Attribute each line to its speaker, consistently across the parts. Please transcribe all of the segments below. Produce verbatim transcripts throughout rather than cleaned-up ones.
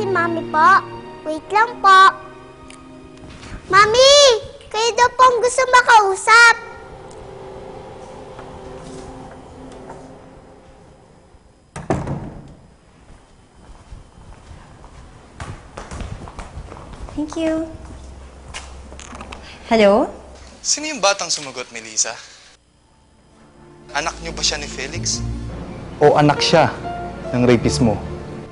Speaker 1: si Mami po. Wait lang po. Mami! Kayo daw pong gusto makausap.
Speaker 2: Thank you. Hello?
Speaker 3: Sino yung batang sumagot, Melissa? Anak niyo ba siya ni Felix?
Speaker 4: O anak siya ng rapist mo?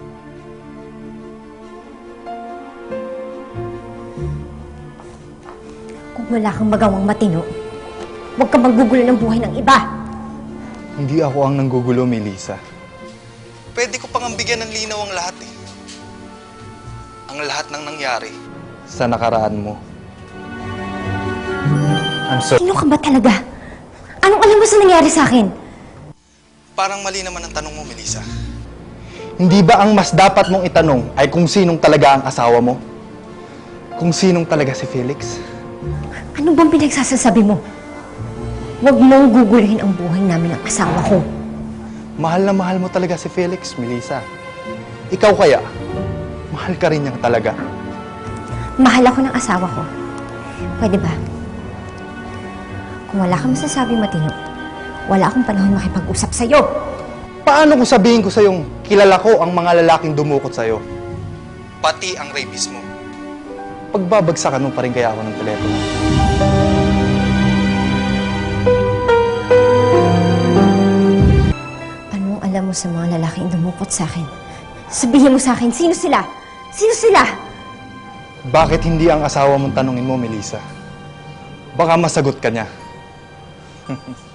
Speaker 2: Kung wala kang magawang matino, huwag kang maggugulo ng buhay ng iba.
Speaker 4: Hindi ako ang nanggugulo, Melissa.
Speaker 3: Pwede ko pang bigyan ng linaw ang lahat eh. Ang lahat ng nangyari.
Speaker 4: Sa nakaraan mo. I'm sorry.
Speaker 2: Sino ka ba talaga? Anong alam mo sa nangyari sa akin?
Speaker 3: Parang mali naman ang tanong mo, Melissa.
Speaker 4: Hindi ba ang mas dapat mong itanong ay kung sinong talaga ang asawa mo? Kung sinong talaga si Felix?
Speaker 2: Ano bang pinagsasasabi mo? Huwag mong guguluhin ang buhay namin ng asawa ko.
Speaker 4: Mahal na mahal mo talaga si Felix, Melissa. Ikaw kaya, mahal ka rin niyang talaga.
Speaker 2: Mahal ako ng asawa ko. Pwede ba? Kung wala kang masasabing matino, wala akong panahon makipag-usap sa'yo.
Speaker 4: Paano kung sabihin ko sa'yong kilala ko ang mga lalaking dumukot sa'yo?
Speaker 3: Pati ang rapist mo.
Speaker 4: Pagbabagsakan mo pa rin kaya ako ng telepono.
Speaker 2: Anong alam mo sa mga lalaking dumukot sa akin? Sabihin mo sa akin, sino sila? Sino sila?
Speaker 4: Bakit hindi ang asawa mong tanungin mo, Melissa? Baka masagot ka niya.